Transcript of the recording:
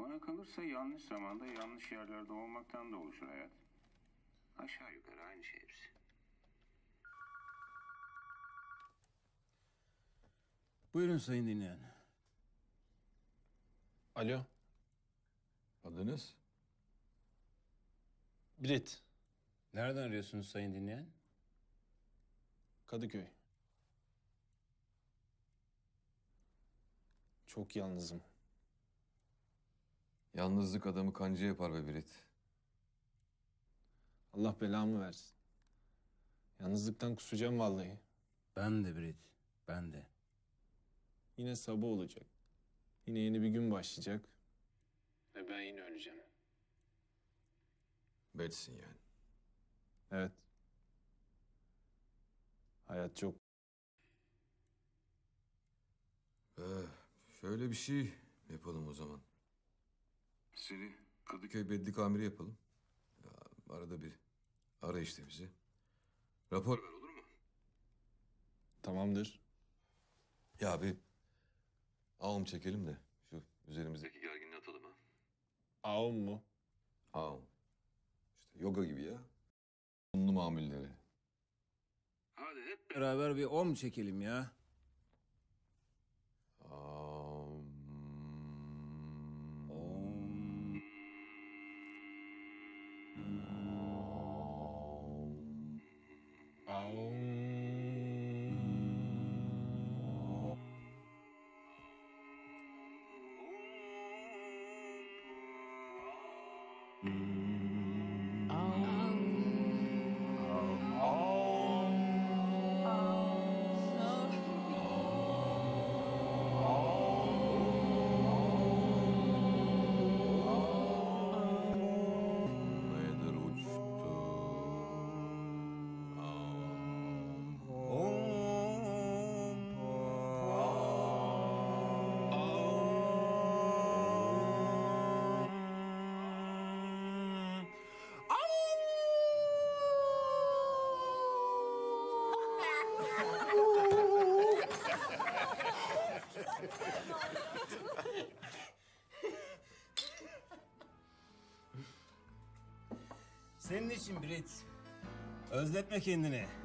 Bana kalırsa yanlış zamanda yanlış yerlerde olmaktan da oluşur hayat. Aşağı yukarı aynı şey hepsi. Buyurun sayın dinleyen. Alo, Adınız? Brit, Nereden arıyorsunuz sayın dinleyen? Kadıköy. Çok yalnızım. Yalnızlık adamı kancı yapar be Birit. Allah belamı versin. Yalnızlıktan kusacağım vallahi. Ben de Brit, ben de. Yine sabah olacak. Yine yeni bir gün başlayacak. Ve ben yine öleceğim. Betsin yani. Evet. Hayat çok... Şöyle bir şey yapalım o zaman. Seni Kadıköy Bedlik Amiri yapalım. Ya, arada bir ara işte bizi. Rapor ver, olur mu? Tamamdır. Ya bir ağım çekelim de şu üzerimizdeki gerginliği atalım ha. Ağım mu? Ağım. İşte yoga gibi ya. Unlu mamulleri. Hadi hep beraber bir om çekelim ya. Ağım. Nedir uçtu? Senin için Brit. Özletme kendini.